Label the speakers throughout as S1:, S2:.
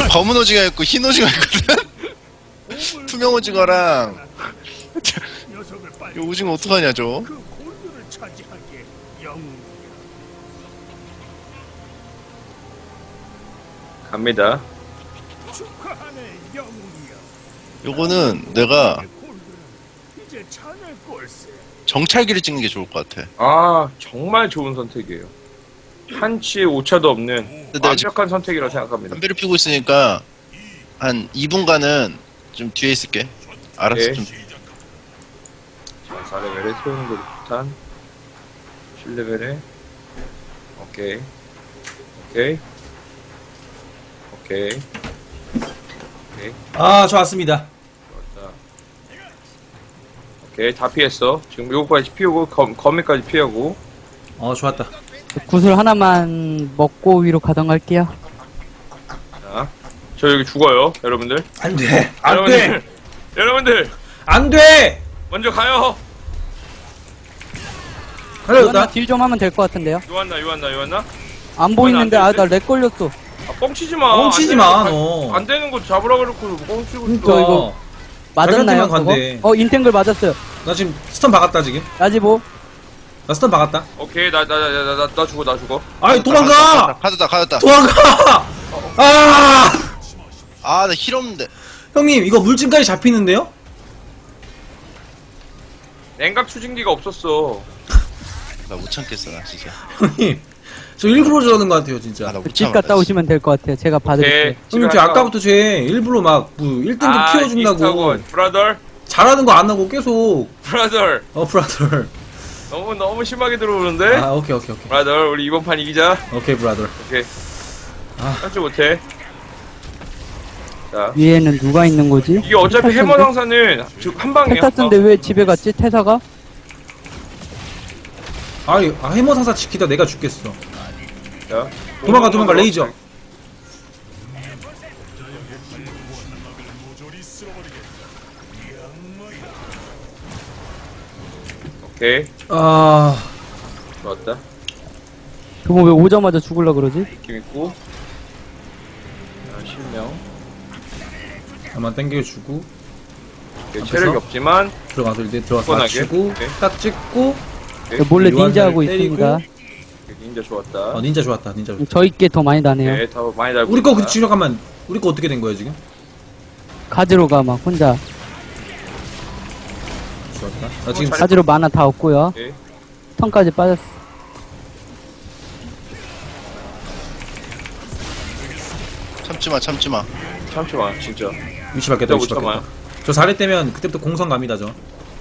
S1: 검은 오징어 있고 흰 오징어 있거든? 투명 오징어랑 이 오징어 어떡하냐 저?
S2: 갑니다.
S1: 요거는 내가 정찰기를 찍는 게 좋을 것 같아.
S2: 아, 정말 좋은 선택이에요. 한치의 오차도 없는
S1: 내가 지금
S2: 완벽한 선택이라고 생각합니다.
S1: 담배를 피고 있으니까 한 2분간은 좀 뒤에 있을게. 알았어.
S2: 네.
S1: 좀
S2: 자, 4레벨에 소용돌이 폭탄 7레벨에 오케이 오케이 오케이 오케이
S3: 아, 좋았습니다.
S2: 좋았다. 오케이 다 피했어. 지금 요거까지 피우고 거미까지 피하고.
S3: 좋았다.
S4: 구슬 하나만 먹고 위로 가던 갈게요.
S2: 자, 저 여기 죽어요, 여러분들.
S3: 안 돼. 안
S2: 여러분들,
S3: 돼.
S2: 여러분들
S3: 안 돼.
S2: 먼저 가요.
S3: 가려졌다.
S4: 딜 좀 하면 될 것 같은데요.
S2: 요한나.
S4: 안 보이는데
S2: 안
S4: 아
S2: 되는데?
S4: 나 렉 걸렸어.
S2: 아, 뻥치지 마.
S3: 뻥치지
S2: 안
S3: 마,
S2: 되는
S3: 너.
S2: 거 안 되는 거 잡으라 그래놓고 뻥치고
S4: 그러니까
S2: 있어.
S4: 이거 맞았나요?
S3: 자기한테만 간대.
S4: 그거? 인탱글 맞았어요.
S3: 나 지금 스턴 박았다, 지금.
S4: 야지보.
S3: 나 스턴 박았다.
S2: 오케이, 나 죽어.
S3: 아이, 도망가!
S1: 가졌다.
S3: 도망가! 아!
S1: 아, 나 힐 없는데.
S3: 형님, 이거 물증까지 잡히는데요?
S2: 냉각 추진기가 없었어.
S1: 나 못 참겠어, 나 진짜.
S3: 형님, 저 일부러 저러는 것 같아요, 진짜.
S1: 아, 나 못
S4: 집
S1: 참아.
S4: 갔다 오시면 될 것 같아요. 제가 봐드릴게요.
S3: 형님, 저 아까부터 쟤 일부러 막, 1등급 키워준다고.
S2: 브라더,
S3: 잘하는 거 안 하고 계속.
S2: 브라더.
S3: 브라더.
S2: 너무 심하게 들어오는데.
S3: 아, 오케이.
S2: 브라더, 우리 이번 판 이기자.
S3: 오케이, 브라더.
S2: 오케이.
S3: 아.
S2: 할줄 못해. 자,
S4: 위에는 누가 있는 거지?
S2: 이게 어차피 해머 상사는 한 방이야.
S4: 테타스인데 왜 집에 갔지? 태사가?
S3: 해머 상사 지키다 내가 죽겠어.
S2: 자,
S3: 도망가, 레이저.
S2: 오케이,
S3: 아,
S2: 좋았다.
S4: 그거 왜 오자마자 죽을라 그러지?
S2: 느낌 있고. 자, 실명.
S3: 한번 땡겨주고.
S2: 오케이,
S3: 앞에서?
S2: 체력이 없지만
S3: 들어가서 이제 들어가서
S2: 뻔하게.
S3: 맞추고,
S2: 오케이.
S3: 딱 찍고.
S2: 오케이.
S4: 몰래
S3: 요한사를
S4: 닌자 하고
S3: 때리고.
S4: 있습니다.
S2: 오케이, 닌자 좋았다.
S3: 닌자 좋았다, 닌자 좋았다.
S4: 저희께 더 많이 나네요.
S2: 네, 다 많이 달고.
S3: 우리 거,
S2: 있다.
S3: 잠깐만. 우리 거 어떻게 된 거야, 지금?
S4: 가지로 가 막 혼자.
S3: 좋았다. 나 지금
S2: 잘-
S4: 가지로 만화 다 없고요.
S2: 오케이.
S4: 턴까지 빠졌어.
S1: 참지 마.
S2: 참지마, 진짜.
S3: 위치 바뀌었다, 위치
S2: 진짜 못
S3: 바뀌었다. 저 4례 때면 그때부터 공성 갑니다, 저.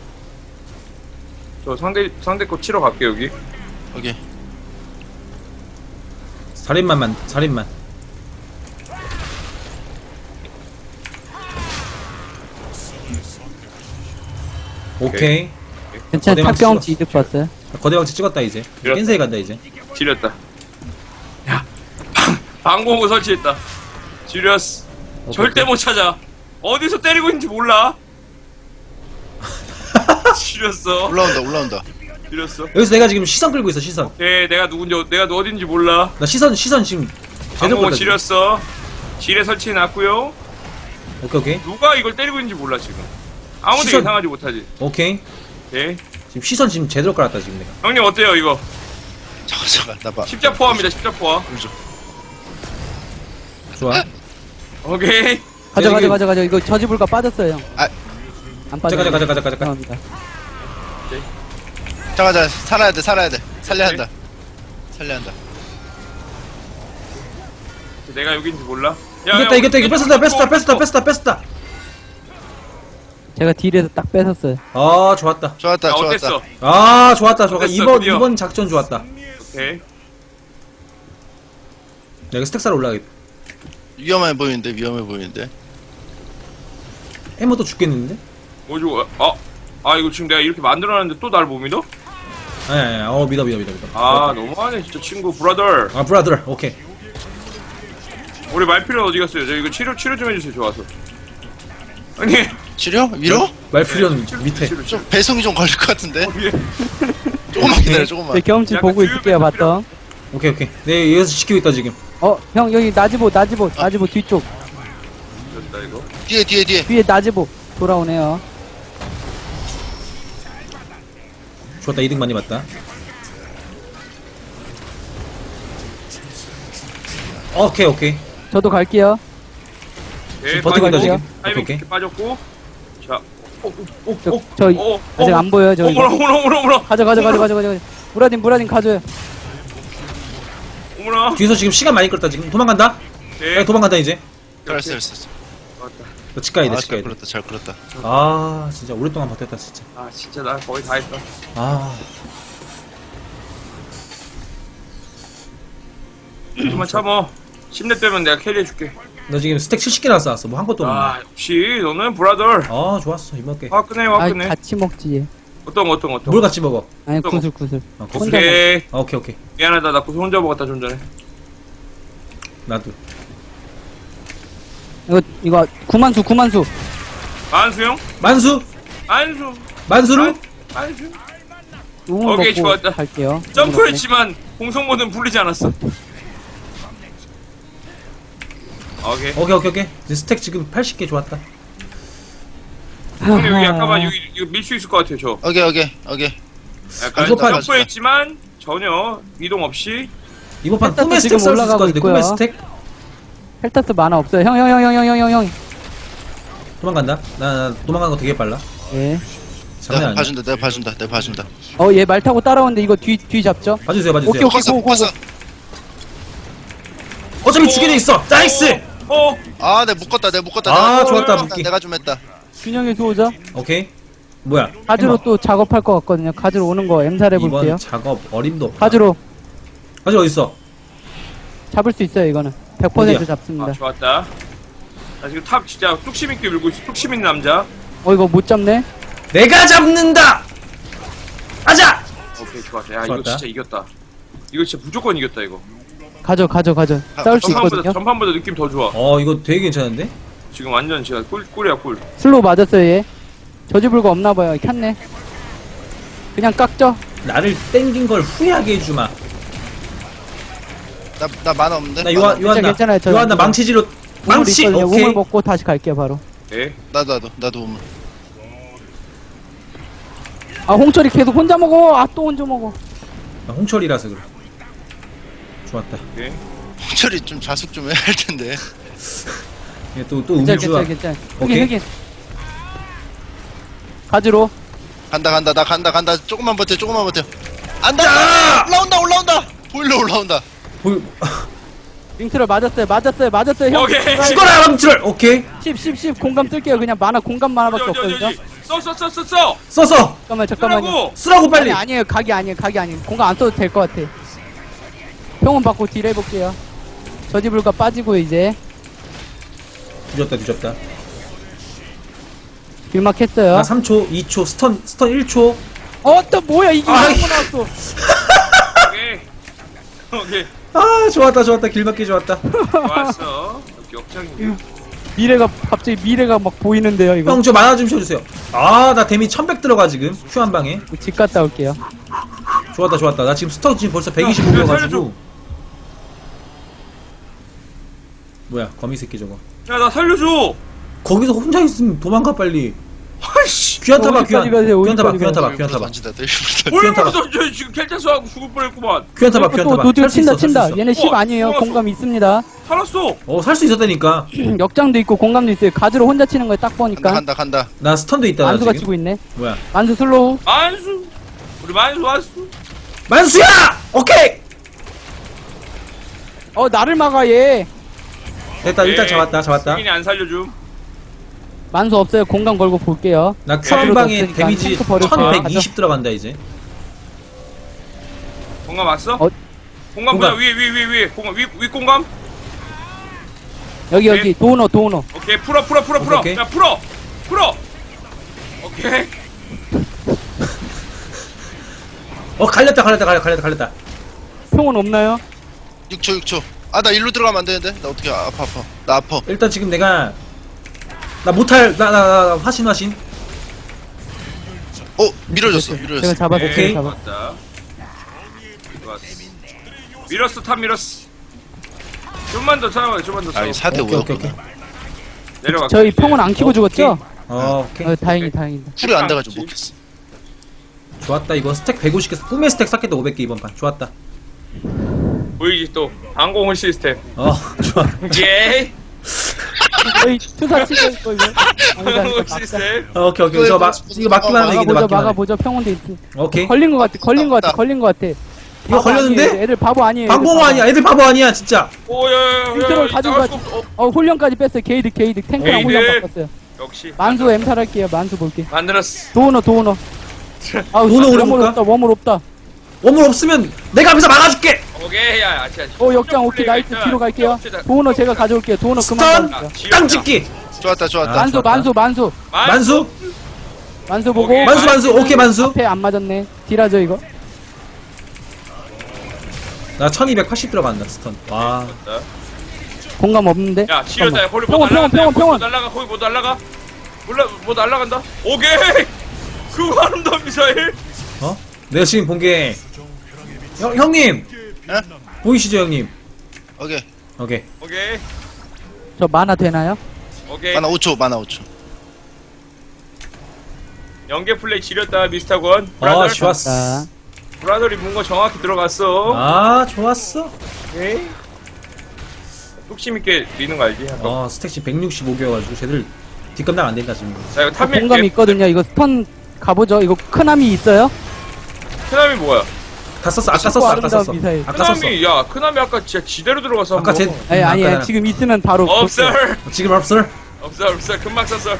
S2: 저 상대 거 치러 갈게 여기.
S1: 오케이.
S3: 살인만. 오케이.
S4: 괜찮아.
S3: 거대망치
S4: 탑경험치
S3: 찍었어.
S4: 이득 봤어요.
S3: 거대왕치 찍었다, 이제.
S2: 밀었다.
S3: 겐세이 간다, 이제.
S2: 지렸다. 야, 방공호 설치했다. 지렸어. 절대 못 찾아. 어디서 때리고 있는지 몰라. 지렸어.
S1: 올라온다.
S2: 지렸어.
S3: 여기서 내가 지금 시선 끌고 있어, 시선.
S2: 네, 내가 어딘지 몰라.
S3: 나 시선 지금 제대로
S2: 방공호
S3: 끌다. 지금.
S2: 지렸어. 지뢰 설치해놨고요.
S3: 오케이.
S2: 누가 이걸 때리고 있는지 몰라 지금. 아무도
S3: 시선-
S2: 예상하지 못하지.
S3: 오케이.
S2: 네.
S3: 지금 시선 지금 제대로 깔았다, 지금 내가.
S2: 형님 어때요 이거?
S1: 잠깐, 나 봐.
S2: 십자포화입니다. 십자포화.
S3: 좋아.
S2: 오케이.
S4: 가자. 이거 저지불가 빠졌어요, 형.
S1: 아.
S4: 안 빠져.
S3: 가자.
S4: 죄송합니다.
S1: 자, 살아야 돼. 살려야 한다.
S2: 내가 여기인지 몰라.
S3: 이겼다. 뺐었다.
S4: 제가 딜에서 딱 뺏었어요.
S3: 아, 좋았다.
S1: 좋았다.
S2: 어땠어?
S3: 아, 좋았다.
S2: 됐어, 드디어.
S3: 이번 작전 좋았다.
S2: 오케이.
S3: 내가 스택사로 올라가겠다.
S1: 위험해 보이는데.
S3: 해머도 죽겠는데?
S2: 뭐죠? 이거 지금 내가 이렇게 만들어놨는데 또 날 못 믿어?
S3: 아니. 믿어.
S2: 아, 너무하네 진짜 친구 브라더.
S3: 아, 브라더. 오케이.
S2: 우리 말필요 어디 갔어요? 저 이거 치료 좀 해주세요. 좋아서. 아니.
S1: 치료? 위로?
S3: 말필요는 밑에.
S2: 치료.
S1: 좀 배송이 좀 걸릴 것 같은데.
S2: 위에.
S1: 조금만 기다려.
S4: 제 경험치
S2: 약간
S4: 보고 있을게요,
S2: 주유배
S4: 봤던.
S3: 오케이. 네, 여기서 지키고 있다, 지금.
S4: 형 여기 나지보 뒤쪽.
S2: 나 이거.
S1: 뒤에
S4: 뒤에 나지보 돌아오네요.
S3: 좋았다. 이득 많이 봤다. 오케이.
S4: 저도 갈게요.
S2: 예,
S3: 버티고 있다, 지금.
S2: 타이밍
S3: 오케이.
S2: 이렇게 빠졌고. 자.
S4: 저 아직 안 보여요. 저 이거.
S2: 어머나.
S4: 가져. 무라딘 가져요.
S2: 어머나.
S3: 뒤에서 지금 시간 많이 끌었다. 지금 도망간다.
S2: 예.
S3: 야, 도망간다 이제.
S1: 알았어
S2: 맞다.
S3: 너 집 가야 돼.
S1: 아,
S3: 집 가야 돼.
S1: 잘 끌었다
S3: 아 진짜 오랫동안 버텼다 진짜.
S2: 아, 진짜 나 거의 다 했다.
S3: 아
S2: 좀만 참어. 10렙 되면 내가 캐리해줄게.
S3: 너 지금 스택 70개나 쌓았어. 뭐 한 것도 없네.
S2: 아, 역시 너는 브라더.
S3: 아 좋았어. 이먹게.
S2: 화끈해.
S4: 아 같이 먹지.
S2: 어떤 거.
S3: 뭘 같이 먹어?
S4: 아니
S2: 또
S4: 구슬.
S3: 아,
S4: 혼자
S2: 오케이.
S3: 오케이.
S2: 미안하다. 나 고소 혼자 먹었다 좀 전에.
S3: 나도.
S4: 이거 구만수.
S2: 만수 형?
S3: 만수?
S2: 만수.
S3: 만수로?
S2: 만수.
S4: 우물
S2: 오케이,
S4: 먹고
S2: 좋았다.
S4: 갈게요.
S2: 점프했지만 공성모드는 불리지 않았어. 오케이.
S3: 이제 스택 지금 80개 좋았다.
S2: 형님 여기 아까만 이거 밀 수 있을 것 같아요 저.
S1: 오케이
S2: 약간
S3: 이거 봐.
S2: 점프했지만 전혀 이동 없이.
S3: 이번 판
S4: 헬타스
S3: 꿈의 스택
S4: 지금
S3: 쌓을 수 있을 것
S4: 올라가고
S3: 같은데. 꿈의
S4: 있고요.
S3: 스택?
S4: 헬타스 만화 없어요. 형.
S3: 도망간다. 나 도망가는 거 되게 빨라.
S4: 예.
S3: 장난
S1: 내가
S3: 아니야.
S1: 봐준다
S4: 얘 말 타고 따라오는데 이거 뒤 잡죠?
S3: 봐주세요.
S4: 오케이.
S1: 컸어
S3: 어차피 죽게 돼 있어. 나이스.
S1: 아 내가 묶었다
S3: 아, 좋았다, 묶기.
S1: 내가 좀 했다
S4: 균형의 수호자.
S3: 오케이. 뭐야?
S4: 가지로 또 작업할 것 같거든요. 가지로 오는 거 엠살 해볼게요.
S3: 이번 작업 어림도 없다.
S4: 가지로
S3: 가지 어디 있어?
S4: 잡을 수 있어요. 이거는 100%
S3: 어디야?
S4: 잡습니다.
S2: 아 좋았다. 나 지금 탑 진짜 뚝심 있게 밀고 있어. 뚝심 있는 남자.
S4: 이거 못 잡네.
S3: 내가 잡는다. 아자.
S2: 오케이 좋았다. 야 이거
S3: 좋았다.
S2: 진짜 이겼다. 이거 진짜 무조건 이겼다 이거.
S4: 가져. 싸울 수 있거든요.
S2: 전판보다 느낌 더 좋아.
S3: 이거 되게 괜찮은데?
S2: 지금 완전 제가 꿀이야 꿀.
S4: 슬로우 맞았어요. 얘. 저지불가 없나봐요. 켰네. 그냥 깎죠.
S3: 나를 땡긴 걸 후회하게 해주마.
S1: 나 만화 없는데?
S3: 나 요한나.
S4: 괜찮아요. 저
S3: 요한나 망치질로.
S4: 우물
S3: 망치.
S4: 있거든요.
S3: 오케이.
S4: 우물 먹고 다시 갈게요. 바로.
S2: 예.
S1: 나도 우물
S4: 홍철이 계속 혼자 먹어. 또 혼자 먹어.
S3: 나 홍철이라서 그래. 좋았다.
S2: 오케이.
S1: 홍철이 좀 자숙 좀 해야 할 텐데
S3: 또 우물주가.
S4: 괜찮아.
S3: 오케이.
S4: 흑인. 가지로.
S1: 간다 조금만 버텨 안다 올라온다 보일러 올라온다
S3: 보이.
S4: 링트를 맞았어요. 형.
S2: 오케이.
S3: 죽어라 망치를. 오케이.
S4: 10 공감 쓸게요. 그냥 공감 만화밖에 없거든요.
S2: 써.
S3: 써서
S4: 잠깐만요.
S3: 쓰라고 빨리.
S4: 아니에요. 각이 아니에요. 공감 안 써도 될 것 같아. 평온 받고 딜 해볼게요. 저지불가 빠지고 이제
S3: 뒤졌다.
S4: 길막 했어요.
S3: 나 3초, 2초, 스턴 1초.
S4: 또 뭐야 이게
S3: 아,
S4: 한번 나왔어.
S2: 오케이.
S3: 아, 좋았다. 길막기 좋았다.
S2: 좋았어. 역장이.
S4: 미래가 막 보이는데요 이거.
S3: 형, 저 만화 좀 쳐주세요. 아, 나 데미 1100 들어가 지금. 큐 한 방에.
S4: 집 갔다 올게요.
S3: 좋았다. 나 지금 스턴 지금 벌써 125여가지고. 뭐야, 거미 새끼 저거.
S2: 야 나 살려줘.
S3: 거기서 혼자 있으면 도망가 빨리.
S2: 아이씨.
S3: 귀한 타봐.
S4: 어디까지 가세요?
S3: 귀한 타봐.
S4: 어디까지
S1: 던진다
S3: 귀한 타봐.
S2: 저 지금 켈타스하고 죽을 뻔했구만.
S3: 귀한 타봐.
S4: 또 노드
S3: 살수 있어,
S4: 친다.
S3: 살수 있어.
S4: 얘네 10 아니에요.
S2: 좋았어.
S4: 공감 있습니다.
S2: 살았어.
S3: 살 수 있었다니까.
S4: 역장도 있고 공감도 있어요. 가지로 혼자 치는 거에 딱 보니까
S1: 간다
S3: 나 스턴도 있다. 나
S4: 만수가
S3: 지금.
S4: 치고 있네.
S3: 뭐야?
S4: 만수 슬로우.
S2: 만수. 우리 만수 왔어.
S3: 만수야! 오케이!
S4: 나를 막아 얘.
S3: 됐다. 일단 잡았다.
S2: 승인이 안 살려줌.
S4: 만수 없어요. 공감 걸고 볼게요.
S3: 나 큐 한
S4: 가지로도
S3: 방에
S4: 없으니까
S3: 데미지
S4: 탱크 버려서
S3: 1120 들어간다 이제.
S2: 공감 왔어? 공감
S3: 공감.
S2: 보자. 위에. 공감 위 공감.
S4: 여기 도너.
S2: 오케이 풀어.
S3: 오케이.
S2: 야 풀어. 오케이.
S3: 갈렸다.
S4: 평온 없나요?
S1: 6초 나 일로 들어가면 안 되는데 나 어떻게 아파 나 아파
S3: 일단 지금 내가 나 못할 나 화신.
S1: 밀어줬어
S4: 제가 잡았어요.
S3: 오케이.
S4: 제가 잡았어요.
S2: 맞다. 좋았어. 탑 밀었어. 좀만 더 참아요.
S1: 아니 4대
S3: 오케이.
S1: 5였구나
S2: 내려가.
S4: 저희 평온 안 키고 죽었죠?
S3: 오케이.
S4: 다행이 다행이다.
S1: 쿨이 안 돼가지고 못했어.
S3: 좋았다. 이거 스택 150개 꿈의 스택 쌓겠다. 500개 이번 판. 좋았다.
S2: 보이지 또 항공을 시스템.
S3: 좋아.
S2: 예.
S4: 저희 투사 치고 있고 이거.
S2: 항공 시스템.
S3: 오케이. 이거 맞기만 하면 이기네. 맞기만 해.
S4: 막아보죠. 평온도 있어.
S3: 오케이.
S4: 걸린 것 같아. 걸린 것 같아.
S3: 이거
S4: 바보
S3: 걸렸는데?
S4: 아니에요. 애들 바보 아니에요.
S3: 방공호 아니야. 애들 바보 아니야, 진짜.
S2: 오야야야.
S4: 빅토를 가지고 가지. 훈련까지 뺐어요. 게이드 탱크랑
S2: 게이드.
S4: 훈련 바꿨어요.
S2: 역시
S4: 만수 엠탈 할게요. 만수 볼게.
S2: 만들었어.
S4: 도우너. 아우
S3: 도우너
S4: 웜을
S3: 오른쪽가?
S4: 없다. 웜을 없다.
S3: 원물 없으면 내가 앞에서 막아줄게.
S2: 오케이 야 아치야.
S4: 역장 오케이 나이스 뒤로 갈게요. 도우너 제가 가져올게요. 도우너 그만
S3: 스턴
S4: 가져올게요.
S3: 땅 찍기.
S1: 좋았다.
S3: 아,
S4: 만수
S3: 만수
S4: 보고.
S2: 오케이.
S3: 만수 오케이 만수.
S4: 앞에 안 맞았네. 딜하죠 이거.
S3: 나 1280 들어간다 스턴. 와.
S4: 공감 없는데.
S2: 야 치료다. 홀리
S4: 평온, 평온.
S2: 날라가. 거기 뭐 날라가. 몰라 뭐 날라간다. 오케이. 그 아름다운 미사일.
S3: 내가 지금 본 게 형님
S1: 에?
S3: 보이시죠 형님?
S1: 오케이.
S3: 오케이.
S2: 오케이.
S4: 저 만화 되나요?
S2: 오케이.
S1: 만화 5초.
S2: 연계 플레이 지렸다 미스터건.
S3: 좋았어.
S4: 자,
S2: 브라더리 문거 정확히 들어갔어.
S3: 좋았어.
S2: 오케이. 뚝심 있게 미는 거 알지? 한번.
S3: 스택시 165개여가지고 쟤들 뒷감당 안 된다 지금.
S2: 자 이거 탑밀.
S4: 공감 있거든요. 이거 스턴 가보죠. 이거 크나미 있어요?
S2: 크나미 뭐야?
S3: 다 썼어. 아까 썼어.
S4: 아름다운 미사일.
S3: 아까 썼어.
S2: 크나미 야 크나미 아까 진짜 지대로 들어가서
S3: 아까
S2: 한번.
S3: 쟤
S4: 아니 지금 있으면 바로.
S2: 없어.
S3: 지금 없어.
S2: 없어. 금방 썼어.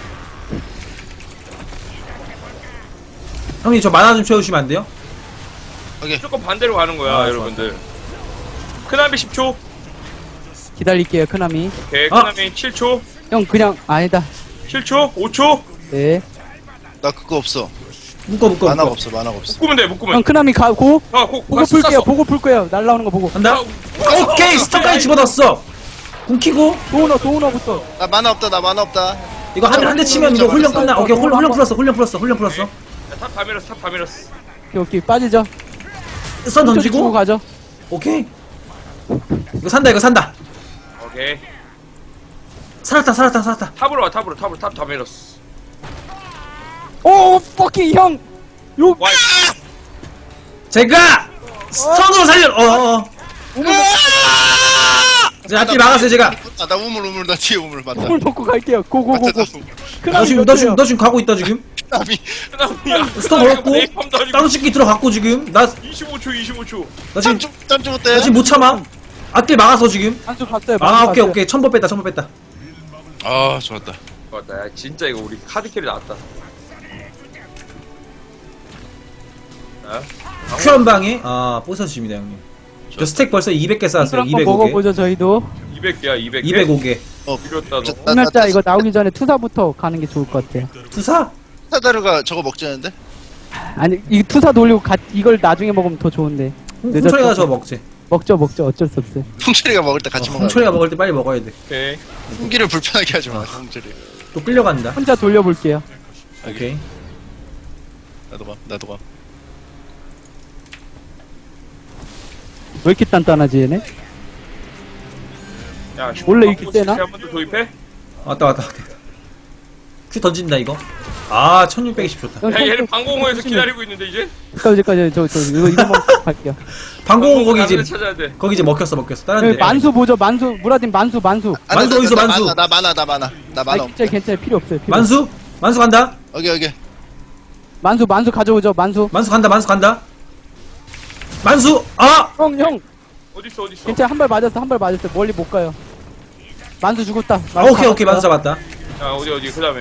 S3: 형님 저 만화 좀 채워주시면 안 돼요?
S1: 오케이.
S2: 무조건 반대로 가는 거야 여러분들. 크나미 10초.
S4: 기다릴게요. 크나미.
S2: 오케이 크나미 7초.
S4: 형 그냥 아니다.
S2: 7초. 5초.
S4: 네.
S1: 나 그거 없어.
S3: 묶어.
S1: 만화가 없어.
S2: 묶으면 돼. 묶으면.
S4: 형 크나미 가고
S2: 보고
S4: 보고 풀게요. 보고 풀 거예요. 날라오는 거 보고.
S3: 간다. 오케이 스턴까지 집어넣었어. 궁키고
S4: 도우너부터.
S1: 나 만화 없다.
S3: 이거 한 대 치면 이거 훈련 끝나. 오케이 훈련 풀었어.
S2: 탑다 밀었어.
S4: 오케이 빠지죠.
S3: 스턴
S4: 주고
S3: 던지고.
S4: 가죠.
S3: 오케이. 이거 산다.
S2: 오케이.
S3: 살았다.
S2: 탑으로 와. 탑 다 밀었어.
S4: 오 퍼킹 형. 요
S2: 와.
S3: 제가 스턴으로 살려. 자, 앞뒤 막았어요 제가.
S1: 나 우물 나 뒤에 우물 맞다.
S4: 물 먹고 갈게요. 고고고고.
S3: 너
S4: 크나미
S3: 지금 너 지금 가고 있다 지금.
S1: 남이
S2: 크나미야.
S3: 스턴 걸었고 다른 찍기 들어갔고 지금. 나
S2: 25초.
S3: 나 지금
S1: 짬좀 어때?
S3: 나 지금 못 참아. 앞뒤 막아서 지금.
S4: 한수 봤어요.
S3: 오케이. 천보 뺐다.
S1: 아 좋았다.
S2: 맞다. 야, 진짜 이거 우리 카드 캐리 나왔다. 자,
S3: 큐현방에 부서집니다 형님. 저 스택 벌써 200개 쌓았어요.
S4: 한번
S3: 205개.
S4: 먹어보죠 저희도.
S2: 200개야 200개.
S3: 205개.
S2: 필요했다 너.
S4: 분멸자 이거 나오기 전에 투사부터 가는 게 좋을 것 같아요.
S3: 투사?
S1: 사다르가 저거 먹자는데?
S4: 아니 이 투사 돌리고 이걸 나중에 먹으면 더 좋은데.
S3: 홍철이가 저거 먹지.
S4: 먹죠 어쩔 수 없어요.
S1: 풍철이가 먹을 때 같이 먹어.
S3: 홍철이가 먹을 때 빨리 먹어야 돼.
S2: 오케이.
S1: 풍기를 불편하게 하지 마. 풍철이.
S3: 또 끌려간다.
S4: 혼자 돌려볼게요.
S3: 오케이.
S1: 나도 가.
S4: 왜 이렇게 단단하지 얘네?
S2: 야,
S4: 원래 이렇게 세나?
S2: 한번 더 도입해?
S3: 왔다. 큐 던진다 이거. 1620 좋다.
S2: 야, 얘는 방공호에서 기다리고 있는데 이제.
S4: 여기까지 저 이거 먹고 갈게요.
S3: 방공호 거기
S2: 다른 데
S3: 이제
S2: 찾아야 돼.
S3: 거기 이제 먹혔어. 다른
S4: 여기
S3: 데.
S4: 만수 보죠 무라딘 만수.
S3: 만수 어디서 만수?
S1: 나 만화. 나 만화.
S4: 아 괜찮아요 필요 없어요.
S3: 만수 간다.
S1: 오케이.
S4: 만수 가져오죠 만수.
S3: 만수 간다. 만수.
S4: 형
S2: 어딨어?
S4: 괜찮아 한 발 맞았어 멀리 못 가요. 만수 죽었다.
S3: 오케이. 만수 잡았다.
S2: 야, 어디 그다음에.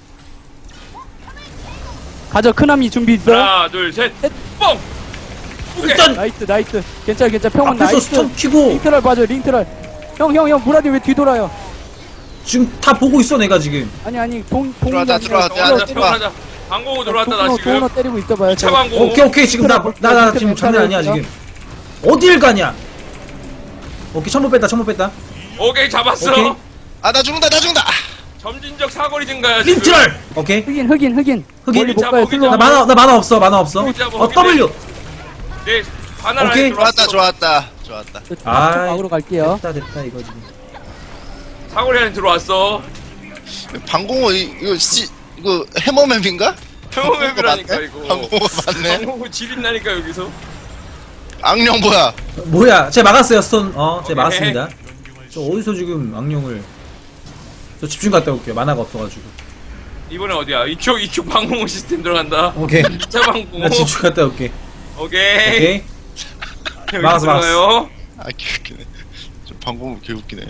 S4: 가져 크나미 준비 있어요?
S2: 하나, 둘, 셋. 뻥. 오케이.
S3: 일단
S4: 나이스 괜찮아 평은
S3: 앞에서
S4: 나이스.
S3: 스턴 키고
S4: 링트럴 봐줘 링트럴. 형 무라딘 왜 뒤돌아요?
S3: 지금 다 보고 있어 내가 지금.
S4: 아니 동이
S1: 들어왔다,
S4: 아니라
S1: 들어왔다.
S2: 들어가자. 방공호 들어왔다 나 지금.
S4: 도너 때리고 있어봐요.
S2: 차 방공.
S3: 오케이 지금 나 지금 장난 아니야 지금. 어딜 가냐? 오케이 천보 뺐다.
S2: 오케이 잡았어.
S3: 오케이.
S1: 나 죽는다.
S2: 점진적 사거리 증가야.
S3: 린트럴. 오케이.
S4: 흑인 멀리 못
S2: 잡아,
S4: 가요.
S2: 흑인
S4: 슬로우.
S2: 잡아.
S3: 나 만화 없어. W.
S2: 네, 하나
S3: 오케이.
S2: 라인 들어왔어.
S1: 좋았다.
S4: 막으로 갈게요.
S3: 됐다 이거 지금.
S2: 사거리 안에 들어왔어.
S1: 방공호 이거 해머맵인가?
S2: 평범맵이라니까 이거.
S1: 방공호 맞네.
S2: 방공호 지린다니까 여기서.
S1: 악령 뭐야?
S3: 뭐야? 제가 막았어요 스톤. 제가
S2: 오케이.
S3: 막았습니다. 저 어디서 지금 악령을? 저 집중 갔다 올게요. 만화가 없어가지고.
S2: 이번에 어디야? 이쪽 방공호 시스템 들어간다.
S3: 오케이.
S2: 자 방공호.
S3: 나 집중 갔다 올게.
S2: 오케이.
S3: 오케이.
S2: 여기
S3: 막았어, 막았어.
S2: 들어가요.
S1: 아 개웃기네. 저 방공호 개웃기네.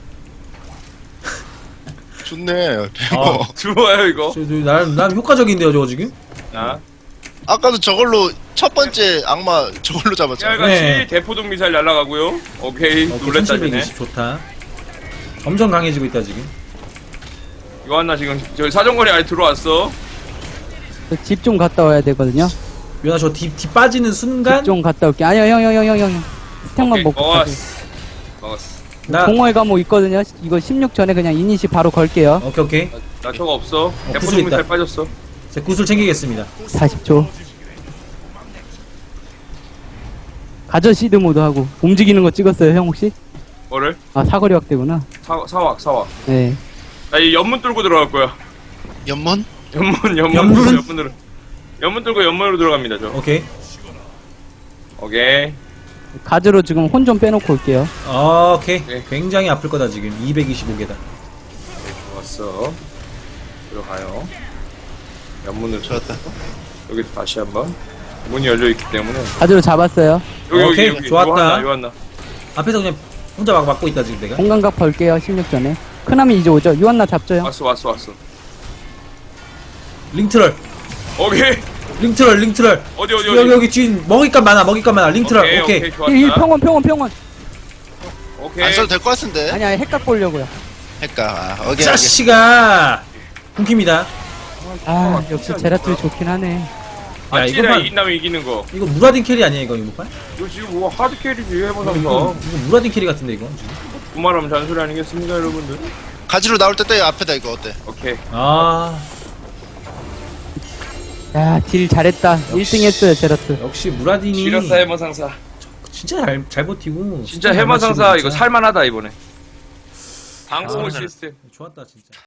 S1: 좋네. 배모.
S2: 좋아요 이거.
S3: 나름 효과적인데요 저거 지금?
S2: 자,
S1: 아까도 저걸로 첫 번째 악마 저걸로 잡았잖아.
S2: 깨알같이
S3: 네.
S2: 대포동 미사일 날아가고요. 오케이. 놀랬다 전에.
S3: 1720 좋다. 점점 강해지고 있다 지금.
S2: 이거 하나 지금 저기 사정거리 안에 들어왔어.
S4: 집 좀 갔다 와야 되거든요.
S3: 유나 저 뒤 빠지는 순간
S4: 집 좀 갔다 올게. 아니요, 형. 스택만
S2: 오케이,
S4: 먹고 가세요.
S2: 먹었어.
S3: 나
S4: 공허의 감옥 있거든요. 이거 16 전에 그냥 이니시 바로 걸게요.
S3: 오케이.
S2: 나 저거 없어.
S3: 구슬
S2: 대포동
S3: 있다.
S2: 미사일 빠졌어.
S3: 제 구슬 챙기겠습니다.
S4: 40초. 가저 시드 모드 하고 움직이는 거 찍었어요, 형 혹시?
S2: 뭐를?
S4: 아 사거리 확대구나.
S2: 사왁.
S4: 네.
S2: 나 이 연문 뚫고 들어갈 거야.
S1: 연문?
S3: 연문?
S2: 연문 뚫고 연문으로 들어갑니다 저.
S3: 오케이.
S2: 오케이.
S4: 가저로 지금 혼 좀 빼놓고 올게요.
S3: 오케이.
S2: 네.
S3: 굉장히 아플 거다 지금. 225개다.
S2: 좋았어. 들어가요. 연문을
S1: 좋았다.
S2: 여기 다시 한번. 문이 열려 있기 때문에.
S4: 가저로 잡았어요.
S3: 오케이, 좋았다.
S2: 요한나.
S3: 앞에서 그냥 혼자 막고 있다 지금 내가.
S4: 공간각 벌게요, 16 전에. 크나미 이제 오죠? 유한나 잡죠, 형?
S2: 왔어.
S3: 링트럴.
S2: 오케이.
S3: 링트럴.
S2: 어디.
S3: 여기 뒤 먹잇감 많아. 링트럴. 오케이.
S2: 좋았다.
S4: 이 평원.
S2: 오케이.
S1: 안 써도 될 것 같은데.
S4: 아니, 핵각 보려고요.
S1: 할까? 오케이.
S3: 자식아. 궁킵니다.
S4: 아, 역시 제라툴이 좋긴 하네.
S3: 야,
S2: 아찌라
S3: 이것만-
S2: 이긴다면 이기는 거.
S3: 이거 무라딘 캐리 아니야 이거 이거?
S2: 이거 지금 뭐 하드 캐리지 해보상서.
S3: 이거 무라딘 캐리 같은데 이거 지금.
S2: 그말하면 잔소리 아니겠습니까 여러분들?
S1: 가지로 나올 때 앞에다 이거 어때?
S2: 오케이.
S3: 아
S4: 야, 딜 잘했다. 1등 했어요, 제라툴.
S3: 역시 무라딘이
S2: 지렸다 해머상사.
S3: 진짜 잘 버티고.
S2: 진짜
S3: 잘
S2: 해머상사
S3: 맞히고
S2: 이거
S3: 진짜.
S2: 살만하다 이번에. 방공호
S3: 아,
S2: 시스템.
S3: 좋았다 진짜.